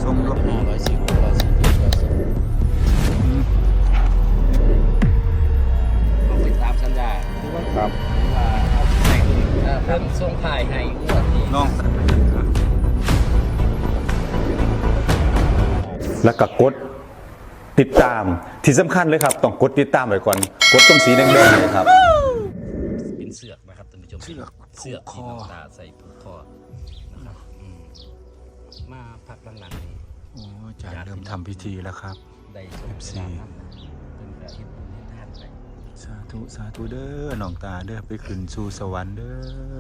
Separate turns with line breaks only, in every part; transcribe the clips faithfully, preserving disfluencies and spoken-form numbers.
ส่งดวง
ห้าร้อยสี่ร้อยสี่เจ็ดร้อยสิบต้องไปตามสัญญาคือว่า
ครับ
ว่าเอาใส่เพิ่มส่งถ่ายให้งวดนี้
น้องแล้วก็กดติดตามที่สำคัญเลยครับต้องกดติดตามไว้ก่อนกดตรงสีแดงๆเลยครับ
เป็นเสือกนะครับท่านผู้ชมเสือกเสือกที่น้ำตาใส่ผูกคอนะครับอืมมาพักหลังๆนี้
โอ้อาจารย์เริ่มทำพิธีแล้วครับ
ได้ชม
เอฟซี
เวลานั้นเป็นกระเฮ็ดบุญเฮ็ดทานไป
สาธุสาธุเด้อน้องตาเด้อไปขึ้นสู่สวรรค์เด้อ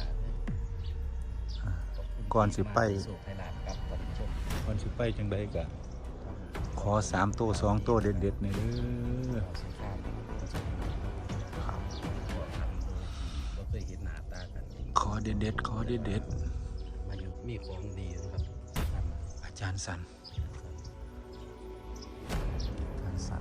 ก่อนสิไป
โศกไทยลาดครับท่านผู้ชม
ก่อนสิไปจังไดกะขอสามตัวสองตัวเด็ดๆหน่อยเด้อ
ขอสินค้าประสบการณ์ครับขอทำโดยที่บ่เคยเห็นหน้าตากันจริง
ขอเด็ดๆขอเด็ด
มาอยู่มีของดีนะครับทำ
ๆอาจารย์สันอาจารย์สัน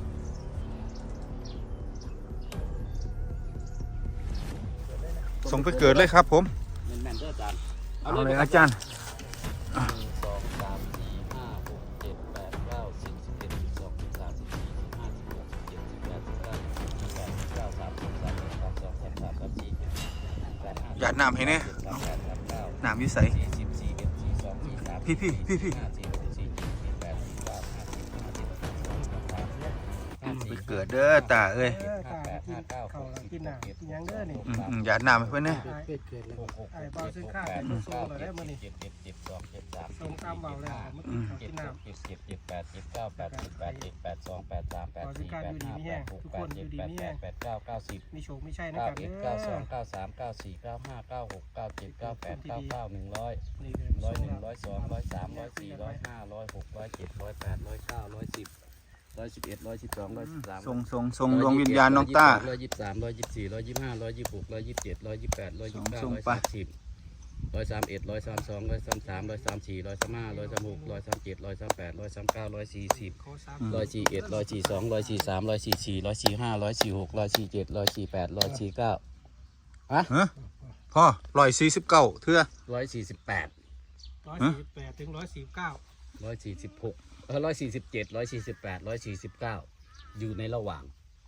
ส่งไปเกิดเลยครับผม
แม่นๆเด้ออาจารย์
เอาเลยอาจารย์
หนึ่งสองสามสี่ห้าหกเจ็ดแปดเก้าสิบสิบเอ็ดสิบสองสิบสามสิบสี่สิบห้าสิบหกสิบเจ็ดสิบแปดสิบเก้าสิบสิบแปดสิบเก้าสามสิบสามสิบสามสองสามสามสามสี่แปดห้า
หยาดน้ำให้แน่
สามแปดสามเก้า
น้ำวิสัย
สี่สิบสี่เอ็ดสี่สองสี่สาม
พี่พี่พี่พี่
ห้าสี่หกสี่เจ็ดสี่แปดสี่เก้าห้าสิบห้าสิบสองสามห้า
ไป
สี่
เกิดเด้อตาเอ้ย
ห้าแปดห้าเก้าหกสิบ
กินหนังกินหยังเด้อนี่
อืมๆหยาดน้ำให้เพื่อนนะ
เกิดเกิดเลยหกหก
ไอ้เบาซื้อข้าวเป็นโซ่เราได้มื้อนี้
เจ็ดเจ็ดเจ็ดสองเจ็ดสาม
ส่งตามเบาเลยครับเมื่อกี้เขา
เจ็
กิ
ด
นน้
เจ็ดเจ็ดเจ็ดแปดเจ็ดเก้าแปดสิบแปดเจ็ดแปดสองแปดสามแปดสี่แปดห้าแปดหกแปดเจ็ดแปดแปดแปดเก้าเก้าสิบ
ำมีโชคไม่ใช่นะ
เก้า
ครับ
เอ็ด
เด้
เก้าสอ
อง
เก้าสามเก้าสี่เก้าห้าเก้าหกเก้าเจ็ดเก้าแปดเก้าเก้าหนึ่งร้อย
นี่
ร้อยหนึ่งร้อยสองร้อยสามร้อยสี่ร้อยห้าร้อยหกร้อยเจ็ดร้อยแปดร้อยเก้าร้อยสิบร้อยสิบเอ็ดร้อยสิบสองร้อยสิบสาม
ส่งส่งส่งดวงวิญญาณน้องตา
ร้อยยี่สิบสามร้อยยี่สิบสี่ร้อยยี่สิบห้าร้อยยี่สิบหกร้อยยี่สิบเจ็ดร้อยยี่สิบแปดร้อยยี่สิบเก้า
ส่ง
ร้อย
ไป
สามสิบร้อยสามเอ็ดร้อยสามสองร้อยสามสามร้อยสามสี่ร้อยสามห้าร้อยสามหกร้อยสามเจ็ดร้อยสามแปดร้อยสามเก้าร้อยสี่สิบ
ขอสาม
ร้อยสี่เอ็ดร้อยสี่สองร้อยสี่สามร้อยสี่สี่ร้อยสี่ห้าร้อยสี่หกร้อยสี่เจ็ดร้อยสี่แปดร้อยสี่เก้าอะ
ฮะพ่อร้อยสี่สิบเก้าเทื่อ
ร้อยสี่สิบแปด
ร้อยสี่สิบแปดถึงร้อยสี่สิบเก้า
ร้อยสี่สิบหกเออร้อยสี่สิบเจ็ดร้อยสี่สิบแปดร้อยสี่สิบเก้าอยู่ในระหว่าง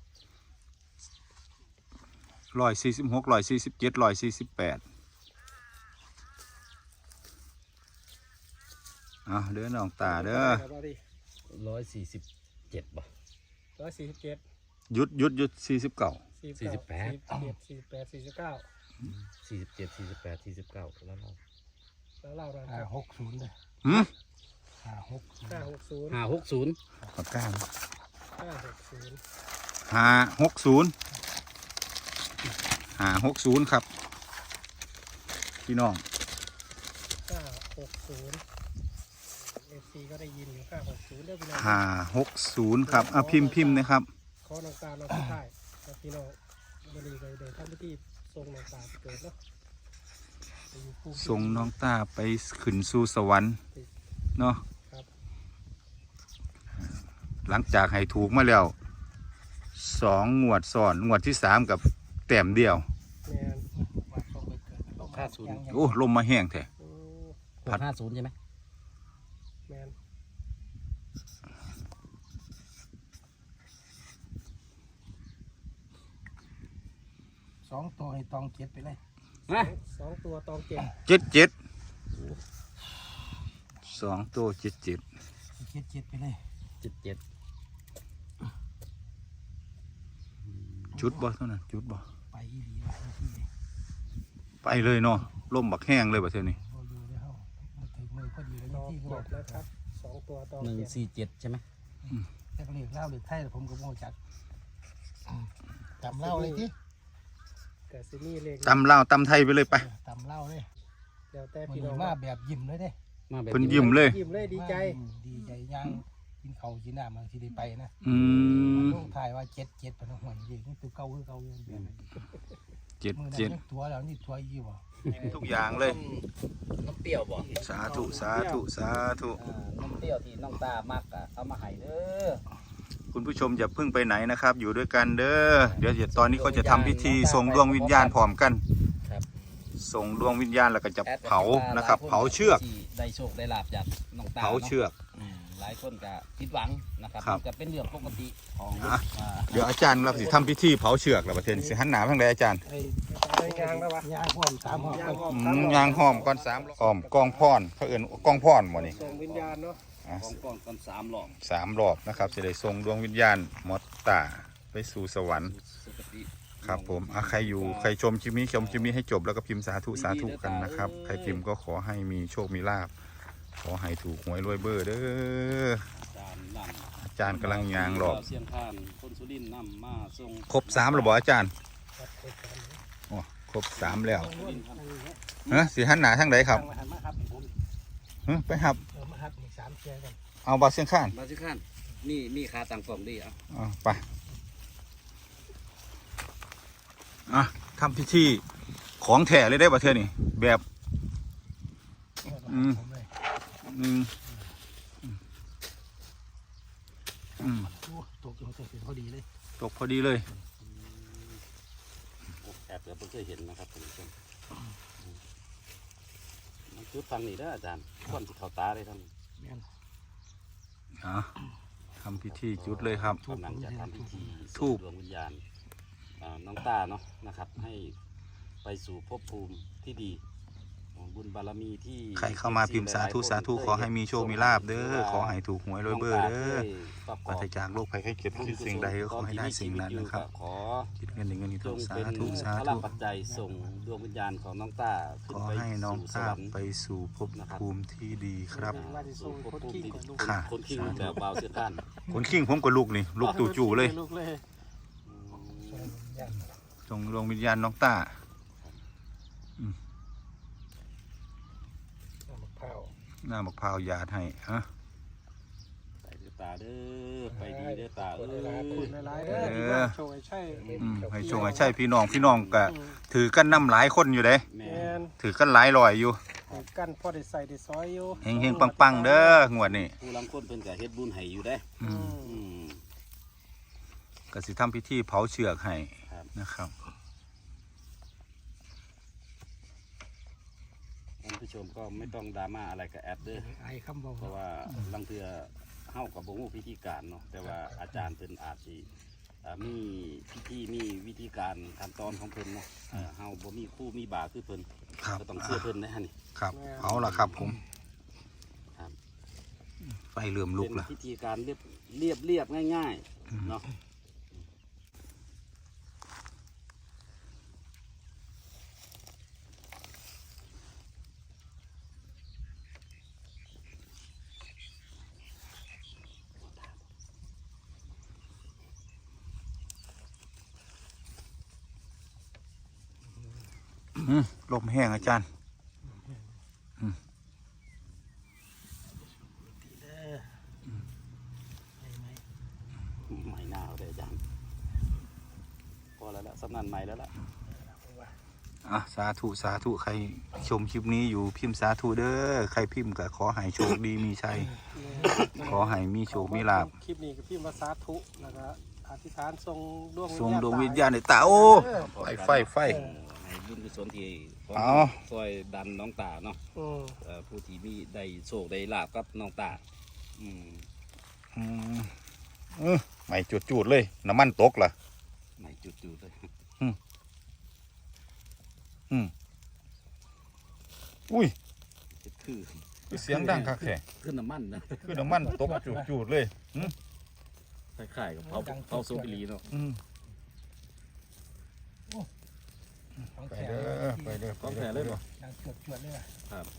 ร้อยสี่สิบหกร้อยสี่สิบเจ็ดร้อยสี่สิบแปดเอาเด้อน้องตาเด้อ
ร้อยสี่สิบเจ็ดป่ะ
ร้อยสี่สิบเจ็ด
หยุดหยุดหยุดสี่สิบเก้า
สี่สิบแปดสี่สิบแปดสี่สิบเก้า
สี่สิบเจ็ดสี่สิบแปดสี่สิบเก้าแล้วเรา
แล้วเล่าเรา
ห้าหกศูนย์เลย
หืม
ห้าหก
ห้าหกศูนย์
ห้าหกศูนย์
ปากกา
ห้าหกศูนย์
ห้าหกศูนย์ห้าหกศูนย์ครับพี่น้อง
ห้าหกศูนย์เอฟซีก็ได้ยินอยู่ห้าหกศูนย์เด้อพี่น้อง
ห้าหกศูนย์ครับอ่ะพิมพ์พิมพ์นะครับ
ขอน้องตาน้องผู้ชายครับพี่น้องวันนี้ก็ได้ทำพิธีทรงน้องตาไปเกิดเนาะไปอยู่ภูมิ
ส่งน้องตาไปขึ้นสู่สวรรค์เนาะ
ครับ
หลังจากให้ถูกมาแล้วสองงวดซ้อนงวดที่สามกับแต้มเดียว
แมน
วัดเขาไปเกิด
หกห้าศูนย์
โอ้ลมมาแห้งแท้
โอ้
หกห้าศูนย์ใช่ไหม
แมน
สองตัวให้ตองเจ็ดไปเลย
นะ
สองตัวตองเจ็ด
เจ็ดเจ็ดสองตัวเจ็ดเจ็ด
เจ็ดเจ็ดไปเลย
เจ็ดเจ็ด
จุดบ่เท่านั้นจุดบ่
ไปอีหลีหลายที่เลย
ไปเลยเนาะลมบักแห้งเลยบ่เท่านี้
พออยู่ได้เข้ามาถึงมือพอดีเลย
ตอง
ที่ก็
เจ็ดนะครับสองตัวตอง
หนึ่ง
เจ็ด
สี่เจ็ดใช่ไหม
แต่ก็เรียกเล่าเรียกไทยผมก็โม่จักตำเล่าเลยที่
เกิดซินี่เลข
ตำลาวตำไทยไปเลยไป
ตำเล่าเลย
เดี๋ยวแต่
มัน
พี่น้อง
มาแบบยิ้มเลยเด้
มาแบบ
เพิ่นยิ้มเลย
ยิ้มเลยดีใจ
ดีใจย่างกินเขากินน้ำบางทีได้ไปนะ
อืม
ต้องถ่ายว่าเจ็ดเจ็ดเป็นห่วยดีนี่ตัวเก่าคือเก่าอยู่แบบนั้น
เจ็ด
มือนั้น
เจ็ด
ยังตัวแล้วนี่ตัวอีกบ่
ทุกอย่างเลย
น้ำเปรี้ยวบ่
สาธุสาธุสาธุ
อ่าน้ำเปรี้ยวที่น้องตามักอ่ะเอามาให้เด้อ
คุณผู้ชมอย่าเพิ่งไปไหนนะครับ อยู่ด้วยกันเด้อเดี๋ยวเดี๋ยวตอนนี้ก็จะทำพิธีส่งดวงวิญญาณพร้อมกัน
ครับ
ส่งดวงวิญญาณแล้วก็จะ
แอด
เผานะครับ เผาเชือก
ที่ได้โชคได้ลาบจากน้องตา
เผาเชือก
อืมหลายคนก็ผิดหวังนะครับ
ครับ
มันก็เป็นเรื่องปกติของ
อ่ะ
อ่า
เดี๋ยวอาจารย์เราสิทำพิธีเผาเชือกแล้วประเทศนี้สิหันหน้าทางใดอาจารย์
ไอ้ไอ้ยางแล้ววะ
ยางพร้อมสามหอม
ยาง
ก่อน
อ้อม
อื
สาม
ม
รอบ
ยางหอมก้อนสามอ้อมกองพรเขาเอื่นกองพรบ่นี่
ส่งวิญญาณเนาะ
อ่ะ
ของก่อนก่อนสามหลอก
สามรอบนะครับจะได้ส่งดวงวิญญาณมอตตาไปสู่สวรรค์
สุคติ
ครับผมอ่ะใครอยู่ใครชมคลิปนี้ชมคลิปนี้ให้จบแล้วก็พิมพ์สาธุสาธุกันนะครับใครพิมพ์ก็ขอให้มีโชคมีลาภขอให้ถูกหวยรวยเบอร์เด้อ
จานนั่น
อาจารย์กำลังยางหลอก
เสียงทานคนสุรินทร์นำมาส่ง
ครบสามหรือบ่อาจารย์
ครับเปิดกัน
โอ้ครบสามแล้ว
สุรินทร์ครับ
เฮ้สิหันหน้าทางใดครับ
มาหันมาครับผม
เฮ้ไปครับ
เออมาหักอีกสามเชียร์กัน
เอาบาเสียงข้าน
มาสิขันนี่มีคาต่างกล่องดีอ่ะ
เอาไปอ่ะทำพิธีของแท้เลยได้ประเทศนี่แบบ อืม
ผมเลย
อืมอืม
โอ้ตกอยู่ตกเป็นพอดีเลย
ตกพอดีเลย
แอบเดี๋ยวเพิ่งเคยเห็นนะครับท่านผู้ชมมันจุดฟังนี่เด้ออาจารย์คนที่เขาตาเลยท่าน
แม่น
อ่ะทำพิธีจุดเลยครับ
กำลังจะทำพิธี
ธูป
ส่งดวงวิญญาณอ่าน้องตาเนาะนะครับ ให้ไปสู่ภพภูมิที่ดีของบุญบารมีที่
ใครเข้ามาพิมพ์สาธุสาธุขอให้มีโชคมีลาบเด้อขอให้ถูกหวยรวยเบอร์เด้อปราศจากโรคภัยไข้เจ็บคิดสิ่งใดก็ขอให้ได้สิ่งนั้นนะครับ
ขอ
คิดเงินในเงินที่
จ
ถู
ง
กสา
เป็น
ธุสา
พ
ธุ
ลังปัจจัยส่งดวงวิญญาณของน้องตาขึ้
ข
น
อ
ไป
ให้น้อง
สู่ส
ตาว
รรค์
ไปสู่ภพภูมิที่ดีครับ
ว่าจะส่งคนขี้ก่อนลูก
ค่ะ
คนขี้ลูกแบบเบาเสียท่าน
คนขิงผมกับลูกนี่ลูกตู่จู่เลย
ลูกเลย
จงดวงวิญญาณน้องตา
น้ำมะพร้าว
หน้ามะพร้าวยาดให้ฮะ
ไปเด้อตาเด้อไปดีเด้อตาเอ้
เวลาคุณ
ย
หลายๆเด้อที่ว่าโชว์ให้ใช่
อืมให้ชงให้ใช่พี่น้องพี่น้องก็ถือกันน้ำหลายคนอยู่เด้
แม่
แม่น
ถือกันหลายลอยอยู่
ให้กันพอได้ใส่ได้ซอยอยู่
เฮงเฮงปังปังๆเด้องวดนี้
ผู้ลังคนเพิ่นก็เฮ็ดบุญให้อยู่เด้
อืม
อืม
ก็สิทำพิธีเผาเชือกให้
ครับ
นะครับ
ท่านผู้ชมก็ไม่ต้องดราม่าอะไรกับแอดเด้อ
ไอ้คำบอก
เพราะว่าลังเทือเฮากับบ่ฮู้พิธีการเนาะแต่ว่าอาจารย์เพิ่นอาจสิอ่ามีพิธีมีวิธีการขั้นตอนของเพิ่นเนาะเอ่อเฮาบ่มีครู่มีบาคือเพิ่น
ครับ
ก็ต้องเชื่อเพิ่นนะฮะนี่
ครับเอาละครับผม
ครับ
ไฟเริ่มลุก
เป็น
ละ
พิธีการเรียบเรียบเรียบง่ายๆเนาะ
อืมลมแห้งอาจารย์
ตีเด้อไม่ไม่
ใหม่หน้าเอาได้อาจารย์พอแล้วละสำนันใหม่แล้วล่ะ
อ่ะสาธุสาธุใครชมคลิปนี้อยู่พิมพ์สาธุเด้อใครพิมพ์ก็ขอให้โชคดีมีชัย ขอให้มีโชคมีลาภ
คลิปนี้ก็พี่มาสาธุแล้วก็อธิษฐานทรงดวง
ทรงดวงวิญญาณในตาโอ้ไฟไฟไฟ
ในบุญกุศลที่
เอา
ซอยดันน้องตาเนาะ
อืม
เอ่อผู้ที่มีได้โชคได้ลาบกับน้องตาอืม
อืมอืมไม่จุดจุดๆเลย น้ำมันตกล่ะ
ใหม่จุดๆเลย
อืมอุ้ย
คือ
คือเสียงดังคักแท้
ขึ้นน้ำมันนะ
คือน้ำมันตกจุดจุดๆเลยอืม
คล้ายๆกับเผาเผาโซบิลีเนาะ
อืม
ของ
ไป
แข็ง
เด้อไปเด้อ
ต้องแผลเลยป่ะ
ดังจวดจวดเลยว่ะ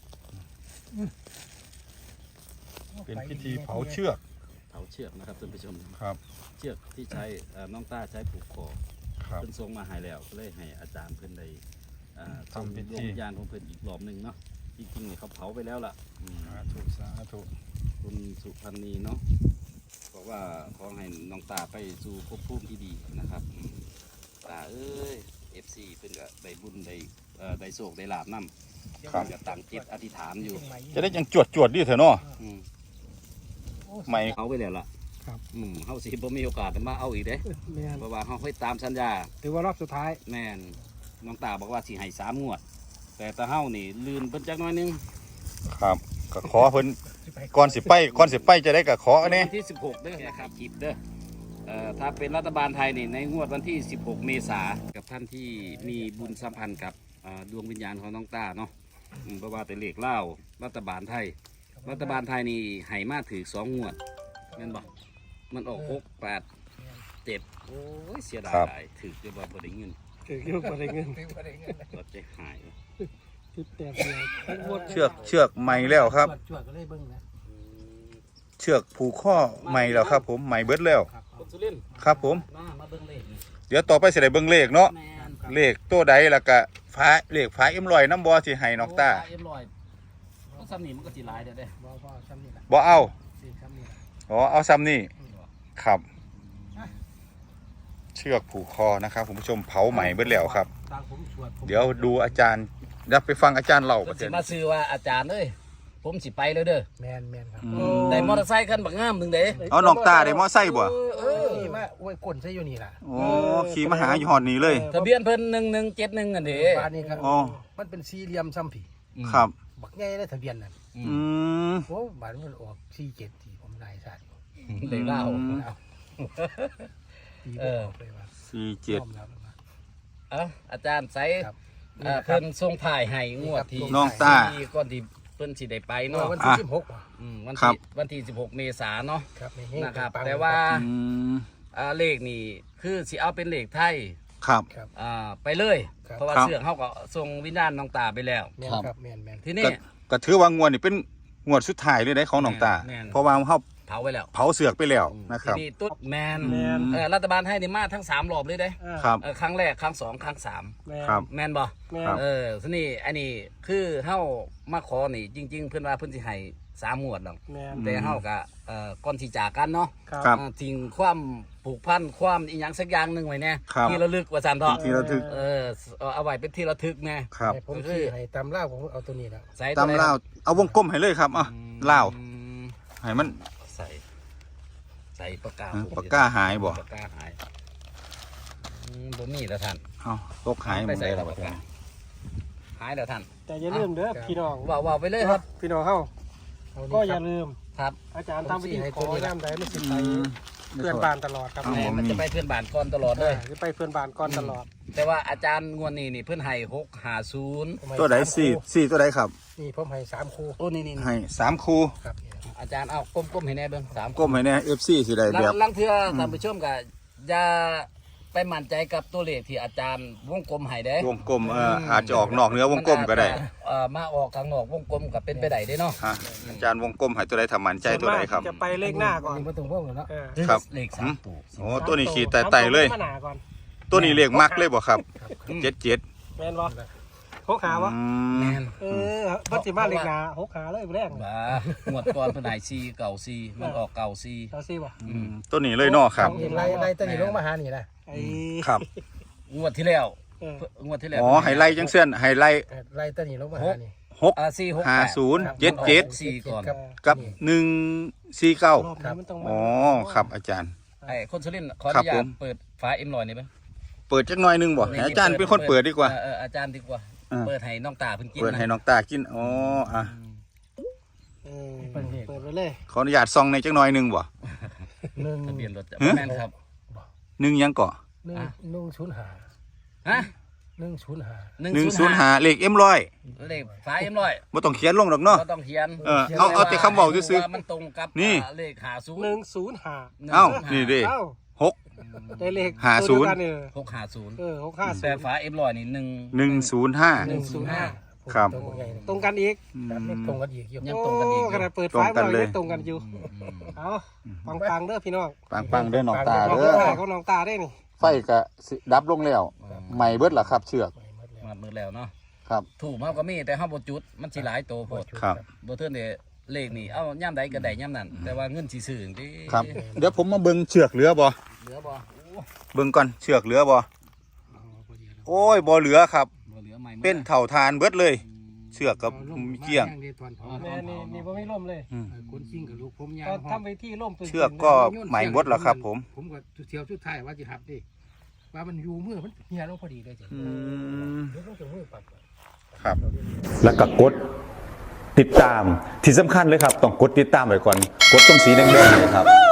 เป็นพิธีเผาเชือก
เผาเชือกนะครับท่านผู้ชม
ครับ
เชือกที่ใช้เอ่อน้องต้าใช้ผูกคอ
ครับ
เพิ่นทรงมาให้แล้วก็เลยให้อาจารย์เพิ่นได้อ่า
ทำพิธี
ส่งดวงวิญญาณของเพิ่นอีกรอบหนึ่งเนาะจริงๆเนี่ยเขาเผาไปแล้วล่ะอืม
สาธุสาธุ
คุณสุพันธ์นีเนาะบอกว่าขอให้น้องตาไปสู่ภพภูมิที่ดีนะครับอืมตาเอ้ยเอฟซีเพิ่นก็ได้บุญได้เอ่อได้โชคได้ลาบนำ
ครับ
จะตั้งจิตอธิษฐานอยู่
เชียงใหม่
จะได้ยังจวดจวดๆดีเถอะเนาะ
อืม
โอ้
ไม่
เอาไปแล้วล่ะ
ครับ
อืมเฮาสิบ่มีโอกาสได้มาเอาอีกเด้
แม่น
เพราะว่าเฮาค่อยตามสัญญา
ถือว่ารอบสุดท้าย
แม่นน้องตาบอกว่าสิให้สามงวด แต่ตาเฮานี่ลืนเพิ่นจักหน้อยหนึง
ครับ ก็ก็ขอเพิ่นก่อนสิไปก่อนสิไปจะได้ก็ขออันนี้
วันที่สิบหกเด้อนะครับคลิปเด้อเอ่อถ้าเป็นรัฐบาลไทยนี่ในงวดวันที่สิบหกเมษายนกับท่านที่มีบุญสัมพันธ์กับอ่าดวงวิญญาณของน้องต้าเนาะอืมเพราะว่าแต่เลขเล่าวรัฐบาลไทย รัฐบาลไทยนี่ให้มาถือสองงวดแม่นบอกมันออกหกแปดเจ็ดโอ้ยเสียดายหลายถือจะบ่บ่ได้เงิน
ถือเยอะกว่าได้เงิน
รถใจหาย
จุดแตกเดียวทั้งหมด
เชือกเชือกใหม่แล้วครับ
จวดก็เลยเบิ่งนะ
เชือกผูกข้อใหม่แล้วครับ ผมใหม่เบิดแล้ว
คนสุรินทร์
ครับผม
มามาเบิ่งเลขนี่
เดี๋ยวต่อไปสิได้เบิ่งเลขเนาะ
แม่น
เลขตัวใดแล้วก็ฟ้าเลขฟ้าเอ็มลอยน้ำบ่สิให้น้องตา
โเอ็มร้อยก็ซ้ำนี่มันก็สิหลายเด้อเด้อ
บ่บ่ซ้ำนี่ล่ะ
บ่เอา
สิซ้ำนี่ล่ะ
อ๋อเอาซ้ำนี่ครับ เชือกผูกคอนะครับคุณผู้ชมเผาใหม่เบิดแล้วครับ
ตามผมสวดผม
เดี๋ยวดูอาจารย์เดี๋ยวไปฟังอาจารย์เล่าป
เพิ่
ระ
น
เด็
สิ
น
มาซื้อว่าอาจารย์เอ้ยผมสิไปแล้วเด้อ
แมนแมนครับ
อืม
ได้มอเตอร์ไซค์คันบักงามหนึงเด้
เอาน้องตาได้มอไซค์บ่
เอ
เอ
อ
อนี่มาโอ้ยก้นใส่อยู่นี่ล่ะ
โอ้ขี่มาหาอยู่หอดนี้เลย
ทะเบียนเพิ่นหนึ่งหนึ่งเจ็ดหนึ่งอันเด้
บ้านนี้ครับ
อ๋อ
มันเป็นสี่เหลี่ยมซ้ำผี
ครับ
บักใหญ่เลยทะเบียนนั่น
อื
อื
ม
ม
โอ้บ้านมันออกสี่เจ็ดที่ผมนายชาติ
เลขเล่า
อืม
เอาตี
เอ
บ่
อ
ออกเลยว่า
สี่เจ็ด
ยอมรับว่า
เอ้าอาจารย์ใส่
ครับ
เอ่อเพิ่นส่งถ่ายให้งวดที่
น้องต้า
ที่ก่อนที่เพิ่นสิได้ไป
เนาะ
เนาะ
วันที่สิบหกว่ะ
อืมวัน
ครั
ที่
บ
วันที่สิบหกเมษายนเนาะ
ครับในเฮง
นะครับ
ปังๆ
แต่ว่า
อืม
อ่าเลขนี่คือสิเอาเป็นเลขไทย
ครับ
ครับ
อ่าไปเลย
ครับ
เพราะว่า
ครับ
เสื่องเฮาก็ส่งวิญญาณน้องตาไปแล้ว
แมนครับแมนแมน
ทีนี้
ก็ก็ถือว่างวดนี่เป็นงวดสุดท้ายเลยได้ของน้องตา
แม่น
เพราะว่าเฮา
เผาไปแล้ว
เผาเสือกไปแล้วนะครับ
ทีนี้ตุ๊ดแมน
แมน
เออรัฐบาลให้นี่มาทั้งสามรอบเลยเด้
อ่า
ครับ
เออครั้งแรกครั้งสองครั้งสาม
แม่
ครับ
แมนบ่
แม่
ครับ
เออทีนี้อันนี้คือเฮามาขอนี่จริง ๆ เพิ่นว่าเพิ่นสิให้สามงวดดอก
แม่
แต่เฮาก็เอ่อก่อนที่จากกันเนาะ
ครับ
ครับ
อ่าทิ้งความผูกพันความอีหยังสักอย่างหนึงไว้แน่
ครับ
ที่ระลึกว่าซั่นเถาะ
ที่เราถึก
เออเอาเอาไว้เป็นที่ระทึกแน่
ครับ
ให้ผมซื้อให้ตำล่าผมเอาตัวนี้แล้ว
ใส่
ตามเล่าวเอาวงกลมให้เลยครับอ่ะเล่าว
อืม
ให้มัน
ใส่ใส่ปากกา
เออปากกาหายบ่
ปากกาหายอืมบ่มีแล้วท่าน
เอาตกหายหม
ไป
ด
ใส่
เลย
แล้ว
ล่ะ
ปากกาหายแล้วท่าน
แต่อย่าลืมเด้อพี่น้อง
ว่าว่าไปเลยครับ
พี่น้องเฮา
เอา
ก็
นี่
อ
ครั
ย่า
บ
ลืม
ครับ
อาจารย์ทำพิธีขอย่ามใดไม่สิไป
อืม
เพื่อนบ้านตลอดครับ
เอา
แม่
บ่
มัน
มี
จะไปเพื่อนบ้านก่อนตลอดเลย
อ่าจะไปเพื่อนบ้านก่อนตลอด
แต่ว่าอาจารย์งวดนี้นี่เพื่อนให้หกหาศูนย์
ผมให้
ตัวไหน
สาม
สี่
คู่
สี่ตัวไหนครับ
นี่ผมให้สามคู่
โอ้นี่นี่นี่
ให้สามคู
ครับเนี่ย
อาจารย์เอาก้มๆให้แน่เบิ่งสาม
ก้มให้แน่เอฟซีสิได้
ลั
แบบ
งลังเทื่อท่านผู้ชมก็อย่าไปมั่นใจกับตัวเลขที่อาจารย์วงกลมให้เด้
วงกลมเอ่ออาจจะออกนอกเนื้อวงกลมก็ได้
นอาจจะเอ่อมาออกข้างนอกวงกลมก็เป็นไปได้เด้เนาะ
ฮะอาจารย์วงกลมให้ตัวใดทำมันใจตัวใดครับ
จะไปเลขหน้าก่อน
นี่มาตรงพวกเลยเนาะ
เออ
ครับ
เลขสามตัว
โอ้ตัวนี้ขี่ไต่ๆเลย
สามตัวมาหน้าก่อน
ตัวนี้เลขมักเลยบ่ครับ
ครับ
เจ็ดเจ็ด
แม่นบ่หกหาวะ
อื
แม่
ม
น
เออเพิ่นสิมาเลขหน้าหกหาเลยแรง
บ้างวดก่อนเพิ่นให้สี่เก่าสี่มันออกเก่าสี่
เอาสิบ่
อืม
ตัวนี้เลยเนาะครับ
เห็นไล่ไล่ตัวนี้ลงมาหานี่นะ
ไอ้
ครับ
งวดที่แล้ว
เออ
งวดที่แล้ว
อ๋อไฮไลท์จังเส้นไฮไลท์
เออไล่ตัวนี้ลงมาหานี่
หก
อ่าสี่หก
ห้า
แปด
ศูนย์
ครับ
เจ็ดเจ็ด
สี่ก่อน
ครับ
กับหนึ่งสี่เก้าร
อบนี้มันต้องมา
อ๋อครับอาจารย์
ไอ้คนสุรินทร์ขออ
ครับ
นุญา
ผ
ต
ม
เปิดฝาเอ็มลอยนี่ไหม
เปิดจักหน่อยหนึงบ่ให้อาจารย์เป็นคนเปิดดีกว่า
เออเอออาจารย์ดีกว่า
อ่า
เปิดให้น้องตาเพิ่นกิน
เปิดให้น้องตากินอ๋ออ่ะ
เออเปิดไปเลย
ขออนุญาตซองในจักหน่อยหนึงบ่
หนึ่ง
ทะเบียนรถจะ
ฮะ
แม่นครับ
หนึ่งยังเกาะ
หนึ่ง
อ่ะ
หนึ่งศูนย์หา
ฮะ
หนึ่งศูนย์หา
หนึ่ง
หนึ่ง
ศู
ศู
น
น
ย์
ย์
ห้า
ห้าเลขเอ็มร้อย
เลขฝาเอ็มลอย
บ่ต้องเขียนลงดอกเนาะ
ก็ต้องเขียน
เออเอาเอาแต่คำเว้าซื่อๆ
ว่ามันตรงกับ
นี่
อ่าเลขหาศูนย์
หนึ่งศูนย์หา
เอ้านี่ดิ
เอ้า
หก
ได้เลข
หาศูนย์
ตัวเดีวกันเออ
หกหาศูนย์
เออหกห้าศู
แต่
นย์
ฝาเอ็มลอยนี่หนึ่ง
หนึ่งศูนย์ห้า
หนึ่งศูนย์ห้า
ครับ
ตรงกัน
ตรงกันอีก
ครับเลขตรงกันอีกอยู่
ยังตรงกันอีก
โขนาดเปิด
ตรง
ไฟ
กัน
มา
เลย
ยังตรงกันอยู่ เอาปังปังๆเด้อพี่น้อง
ปังปังๆเด้อน้องตา
น้อง
เด้อ
ตาของน้องตาได้นี่
ไฟก็สิดับลงแล้วใหม่เบิดล่ะครับ เชือก
มามือแล้วเนาะ
ครับ
ถูกเฮาก็มีแต่เฮาบ่จุดมันสิหลายโตโพด
ครับ
บ่เทินได้เลขนี่เอาย่ำใดก็ได้ย่ำนั้นแต่ว่าเงินสิซื้อจังซี่
ครับ เดี๋ยวผมมาเบิ่งเชือกเหลือบ่
เหลือบ่โอ้
เบิ่งก่อนเชือกเหลือบ่โอ้ยบ่เหลือครับ
บ่เหลือใหม่หมด
เป็นเถ่าทานเบิดเลย เชือกกับเกี้ยง
แม่นี่นี่บ่มีล่มเลย
คนชิงกับลูกผมยา
ก็
ว
ทำไปที่ล่ม
เชือกก็ใหม่หมดแล้วครับ ผม
ผมก็เที่ยวสุดท้ายว่าจะหับดิว่ามันอยู่มือมันเฮียลงพอดีเลยจ้ะ
อืม
เดี๋ยวต้องจะมือปัดก่อน
ครับ แล้วก็กด
ติดตามที่สำคัญเลยครับต้องกดติดตามไว้ก่อนกดตรงสีแดงๆเลยครับ